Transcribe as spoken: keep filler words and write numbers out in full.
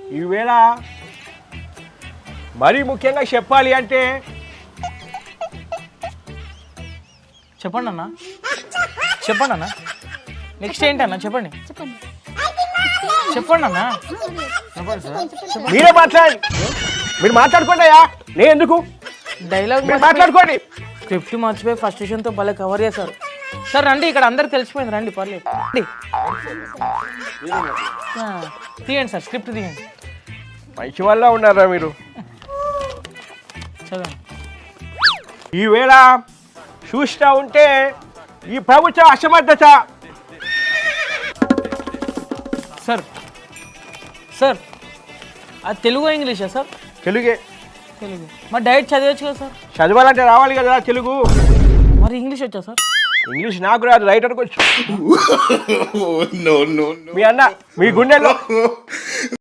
ఈవేళ మరీ ముఖ్యంగా చెప్పాలి అంటే చెప్పండి అన్న చెప్పండి అన్న నెక్స్ట్ ఏంటన్నా చెప్పండి చెప్పండి చెప్పండి అన్న మీరే మాట్లాడండి. మీరు మాట్లాడుకోండి అయ్యా, నేను ఎందుకు? డైలాగ్ మీరు మాట్లాడుకోండి. స్క్రిప్ట్ మర్చిపోయి ఫస్ట్ స్టేషన్తో భలే కవర్ చేశారు. సార్ రండి, ఇక్కడ అందరికి తెలిసిపోయింది, రండి పర్లేదు రండి. ఆ, తీయండి సార్ స్క్రిప్ట్ తీయండి. మంచి వల్ల ఉన్నారా మీరు? చదవండి. ఈవేళ చూస్తూ ఉంటే ఈ ప్రభుత్వ అసమర్థత. సార్ సార్ అది తెలుగు ఇంగ్లీషా సార్? తెలుగే. తెలుగు. మరి డైరెక్ట్ చదివచ్చు కదా సార్? చదవాలంటే రావాలి కదా తెలుగు. మరి ఇంగ్లీష్ వచ్చా సార్? ఇంగ్లీష్ నాకు రాదు, రైటర్కి వచ్చు. మీ అన్న మీ గుండెల్లో